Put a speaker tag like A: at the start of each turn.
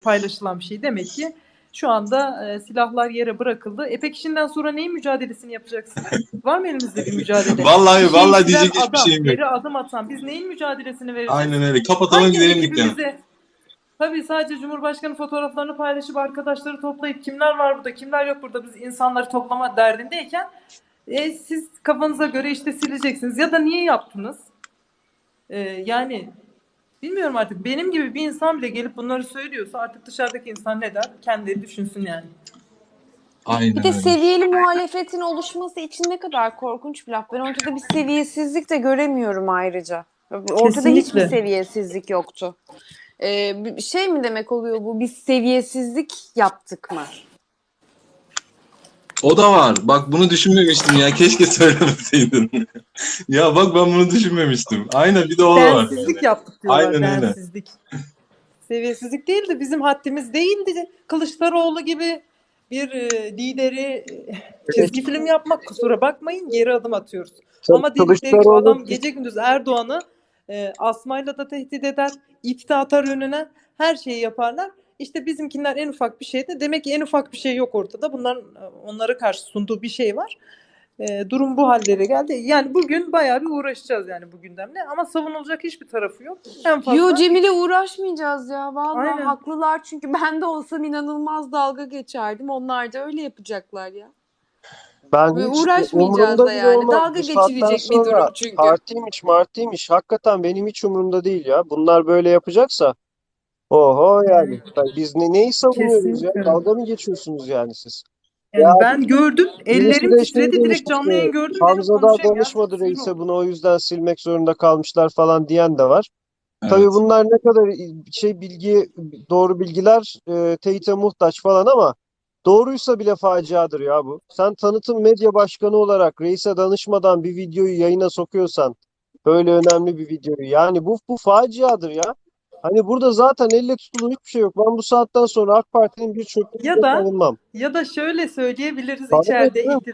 A: paylaşılan bir şey. Demek ki şu anda silahlar yere bırakıldı. Peki şimdiden sonra neyin mücadelesini yapacaksınız? Var mı elinizde bir mücadele?
B: Vallahi
A: Bir şey
B: vallahi
A: çizen
B: diyecek hiçbir
A: adam,
B: şeyim yok.
A: geri adım atan, biz neyin mücadelesini vereceğiz?
B: Aynen öyle. Kapatalım
A: Hangi
B: gidelim dükkanı.
A: ekibimize? Tabii sadece Cumhurbaşkanı fotoğraflarını paylaşıp arkadaşları toplayıp kimler var burada, kimler yok burada, biz insanları toplama derdindeyken siz kafanıza göre işte sileceksiniz. Ya da niye yaptınız? Yani bilmiyorum artık. Benim gibi bir insan bile gelip bunları söylüyorsa artık dışarıdaki insan ne der? Kendileri düşünsün yani.
C: Bir
B: Aynen
C: de
B: öyle.
C: seviyeli muhalefetin oluşması için ne kadar korkunç bir laf. Ben ortada bir seviyesizlik de göremiyorum ayrıca. Ortada hiçbir
A: Kesinlikle.
C: seviyesizlik yoktu. Şey mi demek oluyor bu? Biz seviyesizlik yaptık mı?
B: O da var. Bak bunu düşünmemiştim ya. Keşke söylemeseydin. Ya bak ben bunu düşünmemiştim. Aynen bir de o da var.
A: Densizlik
B: Yani.
A: yaptık diyorlar.
B: Aynen öyle.
A: Densizlik. Seviyesizlik değildi. Bizim haddimiz değildi. Kılıçdaroğlu gibi bir lideri çizgi film yapmak, kusura bakmayın, geri adım atıyoruz. Ama dedikleri gibi adam gece gündüz Erdoğan'ı asmayla da tehdit eder, iftira atar önüne, her şeyi yaparlar. İşte bizimkiler en ufak bir şeyde, demek ki en ufak bir şey yok ortada. Bunların onlara karşı sunduğu bir şey var. Durum bu hallere geldi. Yani bugün bayağı bir uğraşacağız yani bu gündemle, ama savunulacak hiçbir tarafı yok. En fazla
C: Yo Cemile, uğraşmayacağız ya. Vallahi
A: Aynen.
C: haklılar, çünkü ben de olsam inanılmaz dalga geçerdim. Onlar da öyle yapacaklar ya.
D: Ben
C: Ve
D: hiç
C: uğraşmayacağız
D: umurumda
C: da
D: bile
C: yani.
D: olmaz.
C: Dalga
D: Bu saatten
C: geçilecek bir durum
D: sonra
C: çünkü.
D: partiymiş martiymiş hakikaten benim hiç umurumda değil ya. Bunlar böyle yapacaksa oho yani. Biz neyi savunuyoruz ya?
A: Kesinlikle.
D: Dalga mı geçiyorsunuz yani siz? Ya
A: Yani ben gördüm,
D: birisi
A: ellerim
D: de şey
A: titredi,
D: demiş
A: direkt canlı
D: işte,
A: yayın gördüm, dedim
D: Hamza da
A: konuşayım ya.
D: danışmadı
A: Sinir
D: reise
A: oldum.
D: bunu o yüzden silmek zorunda kalmışlar falan diyen de var. Tabii
B: Evet.
D: bunlar ne kadar doğru bilgiler teyite muhtaç falan ama doğruysa bile faciadır ya bu. Sen tanıtım medya başkanı olarak reise danışmadan bir videoyu yayına sokuyorsan, böyle önemli bir videoyu, yani bu faciadır ya. Hani burada zaten elle tutulur hiçbir şey yok. Ben bu saatten sonra AK Parti'nin bir çöplüğünü
A: Ya
D: bile
A: da
D: savunmam.
A: ya da şöyle söyleyebiliriz
D: Bana ne
A: içeride
D: canım?